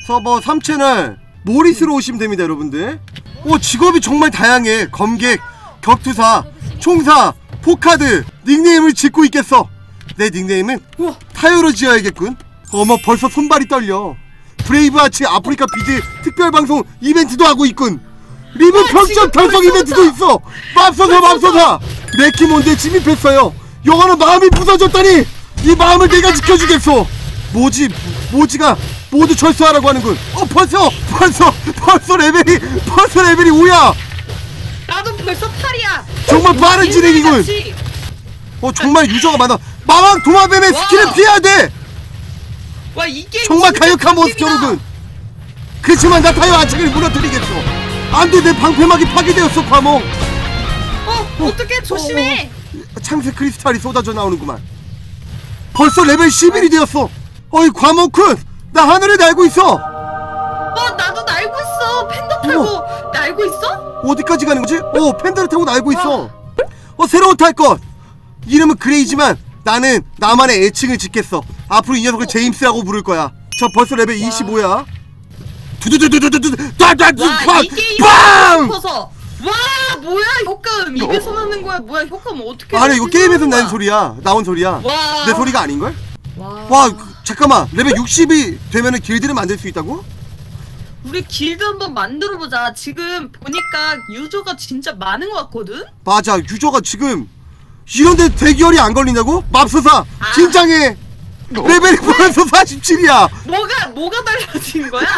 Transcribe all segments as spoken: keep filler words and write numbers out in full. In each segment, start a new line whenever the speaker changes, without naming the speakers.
서버 삼 채널 모리스로 오시면 됩니다 여러분들. 오 직업이 정말 다양해. 검객, 격투사, 총사, 포카드. 닉네임을 짓고 있겠어. 내 닉네임은 우와. 타요로 지어야겠군. 어머 벌써 손발이 떨려. 브레이브하츠 아프리카 비즈 특별방송 이벤트도 하고 있군. 리브 평점 결성 이벤트도 있어. 맙소사 맙소사. 레키몬드에 침입했어요. 영화는 마음이 부서졌다니 이 마음을 내가 지켜주겠어. 모지 모지가 모두 철수하라고 하는군. 어 벌써 벌써 벌써 레벨이 벌써 레벨이 오야.
나도 벌써 팔이야.
정말 빠른 진행이군. 어 정말 유저가 많아. 마왕 도마뱀의 스킬을 피해야 돼.
와 이게
정말 강력한 몬스터로군. 그치만 나 타요 아책을 무너뜨리겠어. 안돼 내 방패막이 파괴되었어 과몽.
어 어떡해 조심해.
어, 창세 크리스탈이 쏟아져 나오는구만. 벌써 레벨 십일이 되었어. 어이 과몽쿤 나 하늘을 날고 있어.
어 나도 날고 있어. 팬더 타고
어.
날고 있어?
어디까지 가는 거지? 어 팬더를 타고 날고 있어. 어 새로운 탈것. 이름은 그레이지만 나는 나만의 애칭을 짓겠어. 앞으로 이 녀석을 어. 제임스라고 부를 거야. 저 벌써 레벨 와. 이십오야. 두두두두두두두 따따뚜
와 이게
빵!
싶어서. 와 뭐야 효과음 입에서 나는 거야. 뭐야 효과음 어떻게?
아니 이거 게임에서 난 소리야. 나온 소리야.
와.
내 소리가 아닌걸?
와,
와 잠깐만 레벨 육십이 되면은 길드를 만들 수 있다고?
우리 길드 한번 만들어보자. 지금 보니까 유저가 진짜 많은 것 같거든?
맞아 유저가 지금 이런데 대기열이 안 걸린다고? 맙소사
아.
긴장해. 레벨이 벌써 사십칠이야
뭐가 뭐가 달라진 거야?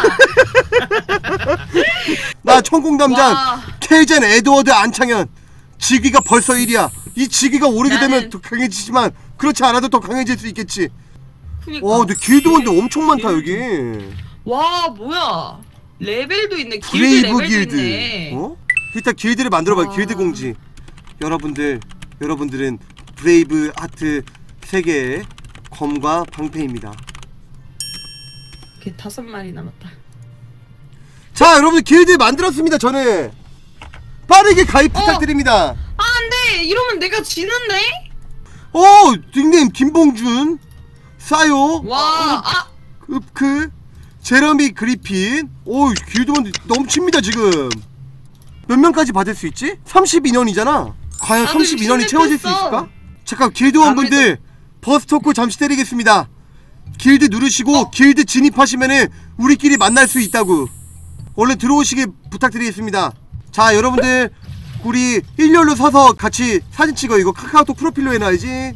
나 천공담장
와.
케이젠 에드워드 안창현 직위가 벌써 일이야. 이 직위가 오르게
나는...
되면 더 강해지지만 그렇지 않아도 더 강해질 수 있겠지.
그니까.
와 근데 길드원들 엄청 많다 여기.
와 뭐야 레벨도 있네. 길드
브레이브
레벨도
길드.
있네.
어? 일단 길드를 만들어봐. 길드 공지. 여러분들 여러분들은 브레이브 하트 세계의 검과 방패입니다.
걔 다섯 마리 남았다.
자 여러분들 길드 만들었습니다. 저는 빠르게 가입 부탁드립니다.
어. 아 안돼 이러면 내가 지는데?
어 닉네임 김봉준 사요
와 아.
읍크 제러미 그리핀. 오 길드원 넘칩니다 지금. 몇 명까지 받을 수 있지? 삼십이 년이잖아 과연 삼십이 년이 채워질 수 있을까? 잠깐 길드원분들 버스토크 잠시 때리겠습니다. 길드 누르시고 어? 길드 진입하시면은 우리끼리 만날 수 있다고. 얼른 들어오시길 부탁드리겠습니다. 자 여러분들 우리 일렬로 서서 같이 사진 찍어. 이거 카카오톡 프로필로 해놔야지.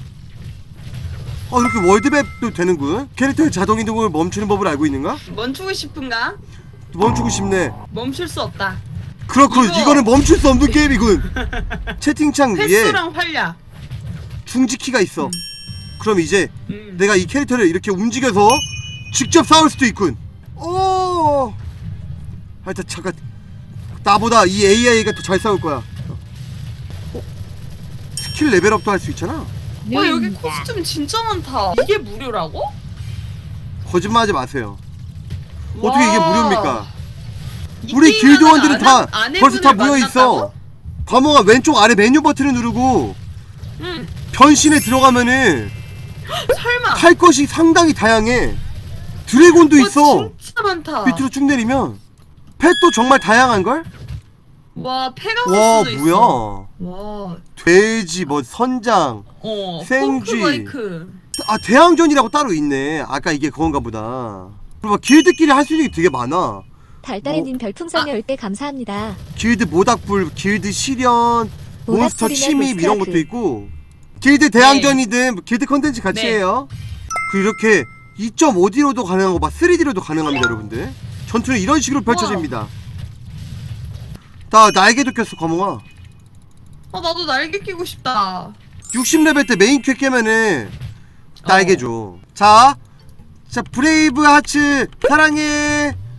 어 이렇게 월드맵도 되는군. 캐릭터의 자동이동을 멈추는 법을 알고 있는가?
멈추고 싶은가?
멈추고 싶네.
멈출 수 없다.
그렇군.
이거...
이거는 멈출 수 없는 게임이군. 채팅창 위에
횟수랑 활약
중지키가 있어. 음. 그럼 이제
음.
내가 이 캐릭터를 이렇게 움직여서 직접 싸울 수도 있군. 오. 하여튼 잠깐 나보다 이 에이아이가 더 잘 싸울 거야. 어? 스킬 레벨업도 할 수 있잖아.
와 여기 코스튬 진짜 많다. 이게 무료라고?
거짓말하지 마세요.
와.
어떻게 이게 무료입니까? 우리 길드원들은 다 벌써 다 모여있어. 과모가 왼쪽 아래 메뉴 버튼을 누르고
응.
변신에 들어가면은
설마
탈 것이 상당히 다양해. 드래곤도
와,
있어.
진짜 많다.
밑으로 쭉 내리면 펫도 정말 다양한걸?
와
와
페가수스도 있어.
뭐야.
와
돼지 뭐 선장
어,
생쥐. 아 대항전이라고 따로 있네. 아까 이게 그건가 보다. 그리고 길드끼리 할 수 있는 게 되게 많아.
달달이님 뭐, 별풍선 열 개 감사합니다.
길드 모닥불, 길드 실현, 몬스터 침입 이런 것도 있고. 길드 대항전이든 네. 길드 컨텐츠 같이 네. 해요. 그리고 이렇게 이 점 오 디로도 가능하고 막 쓰리 디로도 가능합니다 여러분들. 전투는 이런 식으로 펼쳐집니다. 나 날개도 꼈어 과몽아.
아 나도 날개 끼고 싶다.
육십 레벨 때 메인 퀘 깨면은 날개 줘. 자, 자 브레이브 하츠 사랑해.